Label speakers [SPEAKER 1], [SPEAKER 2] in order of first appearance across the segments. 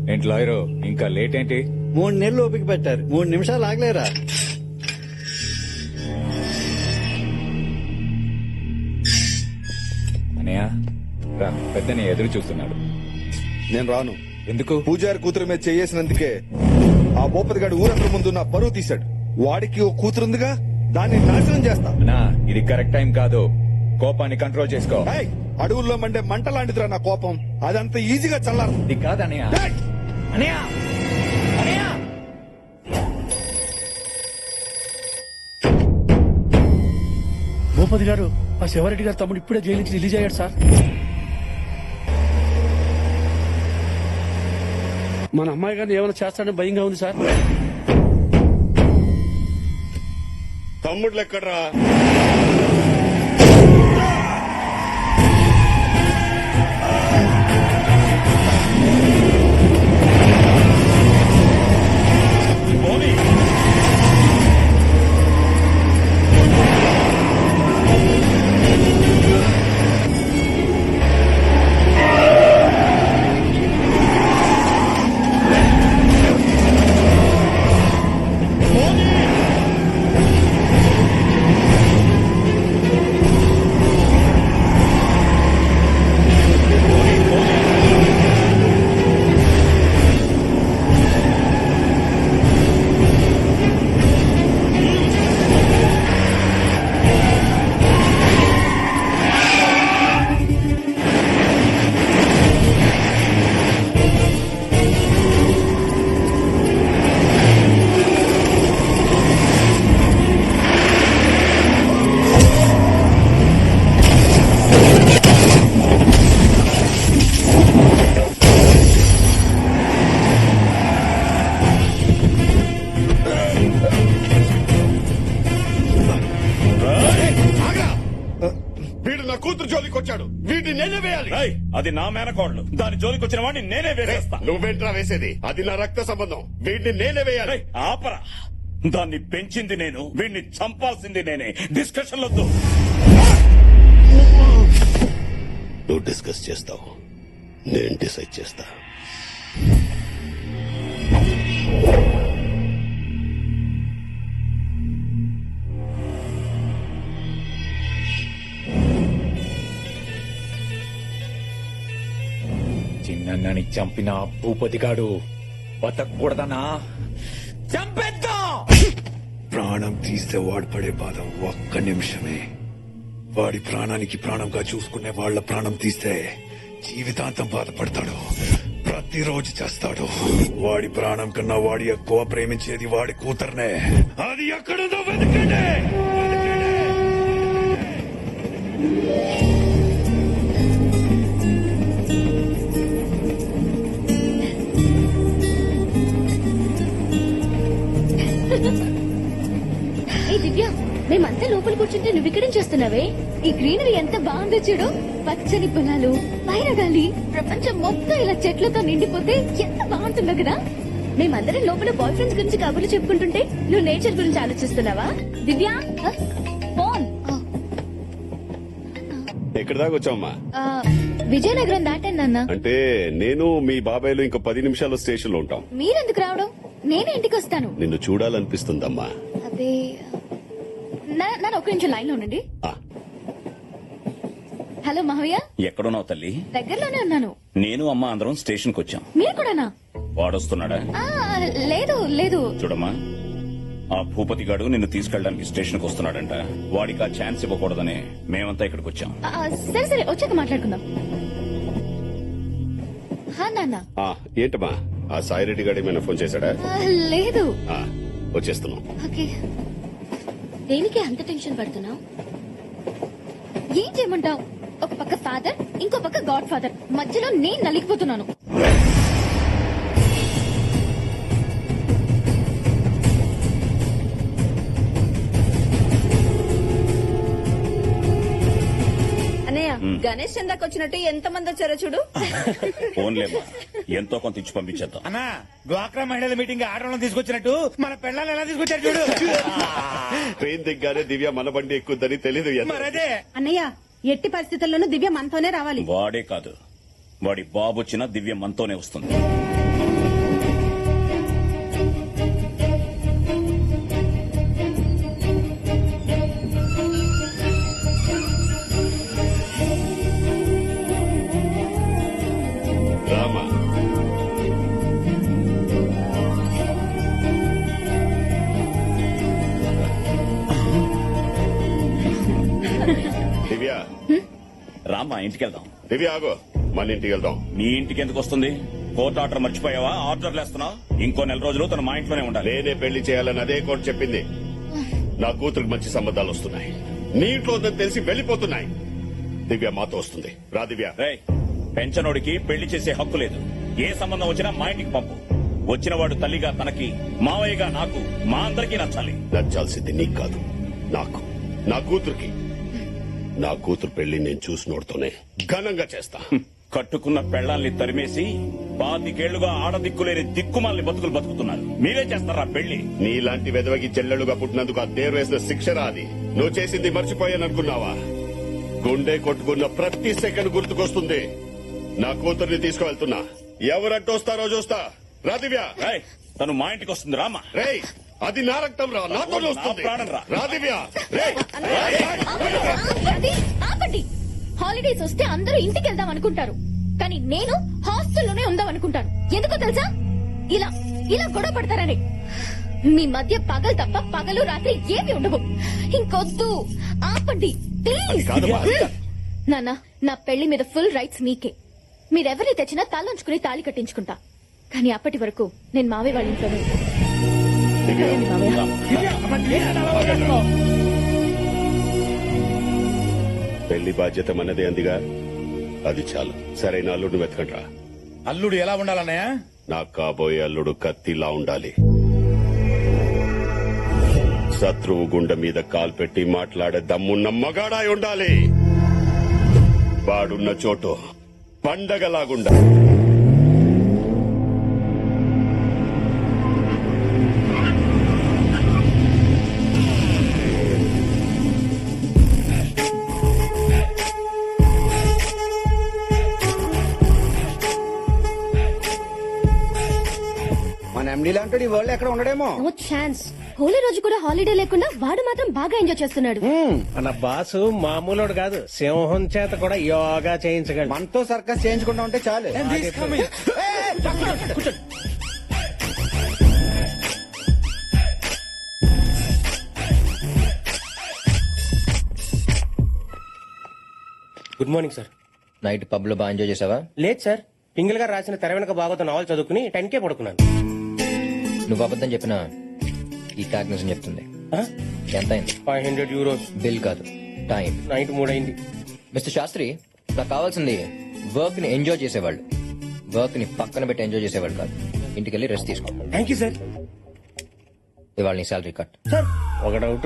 [SPEAKER 1] ఏంటి లాయరు ఇంకా లేట్ ఏంటి?
[SPEAKER 2] 3 నెలలు ఓపిక పెట్టారు, 3 నిమిషాలు ఆగలేరా?
[SPEAKER 1] అనయ్య రా, పెద్దని ఎదురు చూస్తున్నాడు.
[SPEAKER 3] నేను రాను.
[SPEAKER 1] ఎందుకు?
[SPEAKER 3] పూజారి కూతురు మీద చేసినందుకే ఆ భూపతి గారి ఊరందరి ముందు నా పరువు తీశాడు. వాడికి ఓ కూతురుందిగా, దాన్ని నాశనం చేస్తా.
[SPEAKER 1] అన్నా ఇది కరెక్ట్ టైం కాదు, కోపాన్ని కంట్రోల్ చేసుకో.
[SPEAKER 3] ఏయ్, అడవుల్లో మండే మంట లాంటిదిరా నా కోపం. అదంత ఈజీగా చల్లారు.
[SPEAKER 1] ఇది కాదు అనయ్య. అనయ్య అనయ్య
[SPEAKER 4] భూపతి గారు, ఆ శివారెడ్డి గారు తమ్ముడు ఇప్పుడే జైలు నుంచి రిలీజ్ అయ్యాడు సార్. మన అమ్మాయి గారిని ఏమైనా చేస్తాడని భయంగా ఉంది సార్.
[SPEAKER 5] తమ్ముళ్ళు ఎక్కడ్రా? వీడు నా కూతురు జోలికి వచ్చాడు. వీడిని నేనే వేయాలి.
[SPEAKER 6] అది నా మేనకోడలు, దాని జోలికి వచ్చిన వాడిని నేనే వేసేస్తా.
[SPEAKER 5] నువ్వేంట్రా వేసేది? అది నా రక్త సంబంధం. వీడిని నేనే వేయాలి.
[SPEAKER 6] ఆపరా, దాన్ని పెంచింది నేను, వీడిని చంపాల్సింది నేనే. డిస్కషన్ వద్దు.
[SPEAKER 5] నువ్వు డిస్కస్ చేస్తావు, నేను డిసైడ్ చేస్తా.
[SPEAKER 1] చిన్నని చంపిన భూపతిగాడు బతకూడదనా? చంపేద్దాం.
[SPEAKER 7] ప్రాణం తీస్తే వాడు పడే బాధ ఒక్క నిమిషమే. వాడి ప్రాణానికి ప్రాణంగా చూసుకునే వాళ్ళ ప్రాణం తీస్తే జీవితాంతం బాధపడతాడు, ప్రతిరోజు చేస్తాడు. వాడి ప్రాణం కన్నా వాడి ఎక్కువ ప్రేమించేది వాడి కూతుర్నే. అది ఎక్కడుందో వెతకండి.
[SPEAKER 8] ఏ దివ్య, మేమంతా లోపల కూర్చుంటే నువ్వు ఇక్కడేం చేస్తున్నావే? ఈ గ్రీనరీ ఎంత బాగుందో చూడు. పచ్చని పొలాలు, పైన గాలి, ప్రపంచం మొత్తం ఇలా చెట్లతో నిండిపోతే ఎంత బాగుంటుందో కదా. మేమందరం లోపల బాయ్ ఫ్రెండ్స్ గురించి కబుర్లు చెప్పుకుంటుంటే నువ్వు నేచర్ గురించి ఆలోచిస్తున్నావా? దివ్య ఫోన్.
[SPEAKER 5] ఎక్కడి దాకా వచ్చావమ్మా?
[SPEAKER 8] విజయనగరం దాటాను నాన్న.
[SPEAKER 5] అంటే నేను మీ బాబాయ్లు ఇంకో 10 నిమిషాల్లో స్టేషన్ లో ఉంటాం.
[SPEAKER 8] మీరెందుకు రావడం? నేనే ఇంటికి వస్తాను.
[SPEAKER 5] నిన్ను చూడాలనిపిస్తుందమ్మా.
[SPEAKER 8] అదే నన్ను ఒక నిమిషం లైన్ లో ఉండండి.
[SPEAKER 5] ఆ,
[SPEAKER 8] హలో మావయ్య.
[SPEAKER 6] ఎక్కడున్నావు తల్లి?
[SPEAKER 8] దగ్గరలోనే ఉన్నాను.
[SPEAKER 6] నేను అమ్మ అందరం స్టేషన్ కు వచ్చాం.
[SPEAKER 8] మీరు కూడానా?
[SPEAKER 6] వాడొస్తున్నాడా?
[SPEAKER 8] లేదు లేదు.
[SPEAKER 6] చూడమ్మా, ఆ భూపతి గాడు నిన్ను తీసుకెళ్ళడానికి స్టేషన్ కు వస్తున్నాడంట. వాడికి ఆ ఛాన్స్ ఇవ్వకూడదని మేమంతా ఇక్కడికి వచ్చాం.
[SPEAKER 8] సరే సరే, వచ్చాక మాట్లాడుకుందాం. నాన్న.
[SPEAKER 5] ఏంటమ్మా, ఆ సాయిరెడ్డి గారు ఏమైనా ఫోన్ చేశాడా?
[SPEAKER 8] లేదు.
[SPEAKER 5] వచ్చేస్తున్నాం.
[SPEAKER 8] ఓకే. దేనికి అంత టెన్షన్ పడుతున్నావు? ఏం చేయమంటావు? ఒక పక్క ఫాదర్, ఇంకో పక్క గాడ్ ఫాదర్, మధ్యలో నేను నలిగిపోతున్నాను.
[SPEAKER 9] గణేష్ చందాకి వచ్చినట్టు ఎంత మంది వచ్చారో చూడు.
[SPEAKER 6] ఫోన్లేమ్మా, ఎంతో కొంత ఇచ్చి పంపించేద్దాం.
[SPEAKER 10] అన్నా, డ్వాక్రా మహిళల మీటింగ్ ఆడవాళ్ళని తీసుకొచ్చినట్టు మన పెళ్ళాలను ఎలా తీసుకొచ్చారు చూడు.
[SPEAKER 5] ట్రైన్ దిగ్గానే దివ్య మన బండి ఎక్కుద్దని తెలీదు.
[SPEAKER 9] మరదే అన్నయ్య, ఎట్టి పరిస్థితుల్లోనూ దివ్య మనతోనే రావాలి.
[SPEAKER 6] వాడే కాదు, వాడి బాబు వచ్చినా దివ్య మనతోనే వస్తుంది. రామ్మా ఇంటికి వెళ్దాం.
[SPEAKER 5] దివ్య ఆగో, మన ఇంటికి వెళ్దాం.
[SPEAKER 6] మీ ఇంటికి ఎందుకు వస్తుంది? కోర్టు ఆర్డర్ మర్చిపోయావా? ఆర్డర్లు వేస్తున్నావు. ఇంకో 4 రోజులు తన మా ఇంట్లోనే ఉండాలి.
[SPEAKER 5] నేనే పెళ్లి చేయాలని అదే కోర్టు చెప్పింది. నా కూతురికి మంచి సంబంధాలు వస్తున్నాయి. నీ ఇంట్లో ఉందని తెలిసి వెళ్లిపోతున్నాయి. దివ్య మాతో వస్తుంది. రా దివ్య.
[SPEAKER 6] రేయ్, పెంచనోడికి పెళ్లి చేసే హక్కు లేదు. ఏ సంబంధం వచ్చినా మా ఇంటికి పంపు. వచ్చిన వాడు తల్లిగా తనకి, మావయ్యగా నాకు, మా అందరికీ నచ్చాలి.
[SPEAKER 5] నచ్చాల్సింది నీకు కాదు, నాకు, నా కూతురికి. నా కూతురు పెళ్లి నేను చూసినోడుతోనే ఘనంగా చేస్తా.
[SPEAKER 6] కట్టుకున్న పెళ్లాల్ని తరిమేసి 25 ఆడదిక్కులేని దిక్కుమాలని బతుకులు బతుకుతున్నారు. మీరే చేస్తారా పెళ్లి?
[SPEAKER 5] నీలాంటి వెదవకి చెల్లెలుగా పుట్టినందుకు ఆ దేవుడు వేసిన శిక్షరా అది. నువ్వు చేసింది మర్చిపోయాననుకున్నావా? గుండె కొట్టుకున్న ప్రతి సెకండ్ గుర్తుకొస్తుంది. నా కూతుర్ని తీసుకువెళ్తున్నా. ఎవరంటూ వస్తారో చూస్తా. రా దివ్య.
[SPEAKER 6] రేయ్, తను మా ఇంటికి వస్తుంది. రామా.
[SPEAKER 5] రేయ్, అది నా రక్తం రా, నాతో వస్తుంది.
[SPEAKER 6] నా ప్రాణం రా.
[SPEAKER 5] రా దివ్య. రేయ్.
[SPEAKER 8] ఆపండి, ఆపండి. హాలిడేస్ వస్తే అందరూ ఇంటికి వెళ్దాం అనుకుంటారు, కానీ నేను హాస్టల్లోనే ఉందాం అనుకుంటాను. ఎందుకో తెలుసా? ఇలా ఇలా గొడవ పడతారని. మీ మధ్య పగలు తప్ప పగలు రాత్రి ఏమి ఉండవు. ఇంకొద్దు, ఆపండి ప్లీజ్. నాన్న, నా పెళ్లి మీద ఫుల్ రైట్స్ మీకే. మీరెవరిని తెచ్చినా తలంచుకుని తాళి కట్టించుకుంటా. కానీ అప్పటి వరకు నేను మావయ్య వాళ్ళ ఇంట్లోనే ఉంటాను. సరేండి మావయ్య.
[SPEAKER 5] పెళ్లి బాధ్యత మనదే అందిగా, అది చాలు. సరైన అల్లుడిని వెతకండ్రా.
[SPEAKER 10] అల్లుడు ఎలా ఉండాలన్నయ్య?
[SPEAKER 5] నాకు కాబోయే అల్లుడు కత్తిలా ఉండాలి. శత్రువు గుండె మీద కాలు పెట్టి మాట్లాడే దమ్మున్న మగాడాయి ఉండాలి. వాడున్న చోటు పండగలాగుండాలి.
[SPEAKER 2] మన ఎండీ లాంటి ఈ వరల్డ్ ఎక్కడ ఉండడేమో.
[SPEAKER 8] No chance. హోలీ రోజు కూడా హాలిడే లేకుండా వాడు మాత్రం బాగా ఎంజాయ్ చేస్తున్నాడు.
[SPEAKER 10] మన బాసు మామూలుడు కాదు, సింహం చేత కూడా యోగా చేయించగలడు.
[SPEAKER 2] మనతో సర్కస్ చేయించుకుంటా ఉంటే చాలు.
[SPEAKER 10] Good morning sir.
[SPEAKER 11] Night pub లో బాగా ఎంజాయ్ చేసావా?
[SPEAKER 10] లేదు సార్, పింగిల్ గారు రాసిన తెర వెనక బాగోత నావల్ చదువుకుని 10K పడుకున్నాను.
[SPEAKER 11] నువ్వు అబద్ధం చెప్పినా ఈ ట్యాగ్ నిజం చెప్తుంది. ఎంత అయింది?
[SPEAKER 10] 500 euros.
[SPEAKER 11] బిల్ కాదు, టైం.
[SPEAKER 10] నైట్ 3 అయింది.
[SPEAKER 11] మిస్టర్ శాస్త్రి, నాకు కావాల్సింది వర్క్ ని ఎంజాయ్ చేసేవాళ్ళు, వర్క్ ని పక్కన పెట్టి ఎంజాయ్ చేసేవాళ్ళు కాదు. ఇంటికి వెళ్ళి రెస్ట్ తీసుకో.
[SPEAKER 10] Thank you sir.
[SPEAKER 11] ఇవాళ నీ శాలరీ కట్.
[SPEAKER 10] సార్ ఒక డౌట్,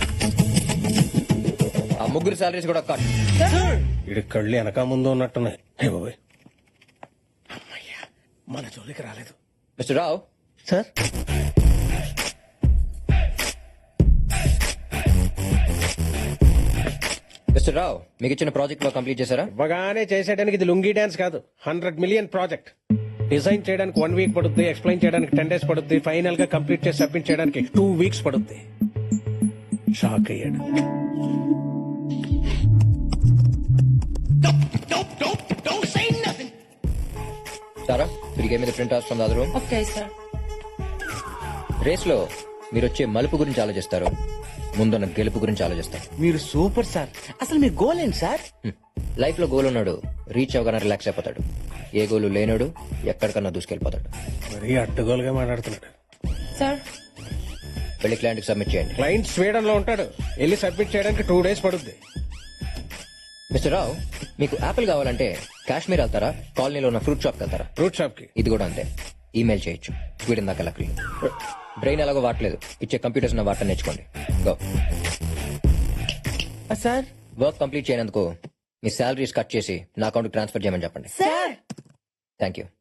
[SPEAKER 11] ఆ ముగ్గురు శాలరీస్ కూడా కట్.
[SPEAKER 10] ఇడి కళ్ళు వెనక ముందు ఉన్నట్టున్నాయి. హే బాబోయ్, అమ్మయ్యా మన జోలికి రాలేదు.
[SPEAKER 11] Mister Rao.
[SPEAKER 10] Sir
[SPEAKER 11] mister Rao, మీకు ఇచ్చిన ప్రాజెక్ట్ లో కంప్లీట్ చేశారా?
[SPEAKER 10] ఇవ్వగానే చేసేయడానికి ఇది లుంగీ డాన్స్ కాదు, 100 million ప్రాజెక్ట్. డిజైన్ చేయడానికి 1 week పడుతుంది, ఎక్స్ప్లెయిన్ చేయడానికి 10 days పడుతుంది, ఫైనల్ గా కంప్లీట్ చేసి సబ్మిట్ చేయడానికి 2 weeks పడుతుంది. షాక్ అయ్యాడు.
[SPEAKER 11] సారా, తిరిగే మీద print out from the other room.
[SPEAKER 9] Okay sir.
[SPEAKER 11] Race లో మీరు వచ్చే మలుపు గురించి ఆలోచిస్తారు, ముందున్న గెలుపు గురించి ఆలోచిస్తారు.
[SPEAKER 2] మీరు సూపర్ సార్. అసలు మీ గోల్ ఏంటి సార్?
[SPEAKER 11] లైఫ్ లో గోల్ ఉన్నాడు రీచ్ అవగానే రిలాక్స్ అయిపోతాడు. ఏ గోలు లేనోడు ఎక్కడికన్నా దూసుకెళ్లిపోతాడు.
[SPEAKER 10] మరీ అడ్డగోలుగా మాట్లాడుతున్నాడు.
[SPEAKER 9] సార్
[SPEAKER 11] వెళ్ళి క్లయింట్ కి సబ్మిట్ చేయండి.
[SPEAKER 10] క్లయింట్ స్వీడన్ లో ఉంటాడు, వెళ్ళి సబ్మిట్ చేయడానికి 2 days పడుతుంది.
[SPEAKER 11] మిస్టర్ రావు, మీకు యాపిల్ కావాలంటే కాశ్మీర్ వెళ్తారా, కాలనీలో ఉన్న ఫ్రూట్ షాప్ వెళ్తారా?
[SPEAKER 10] ఫ్రూట్ షాప్ కి.
[SPEAKER 11] ఇది కూడా అంతే, ఈమెయిల్ చేయొచ్చు. స్వీడన్ దాకా లక్లీ. బ్రెయిన్ ఎలాగో వాడలేదు, ఇచ్చే కంప్యూటర్స్ ఉన్న వాటర్ నేర్చుకోండి. గో.
[SPEAKER 9] సార్
[SPEAKER 11] వర్క్ కంప్లీట్ చేయనందుకు మీ శాలరీస్ కట్ చేసి నా అకౌంట్ ట్రాన్స్ఫర్ చేయమని చెప్పండి.
[SPEAKER 9] Sir
[SPEAKER 11] thank you.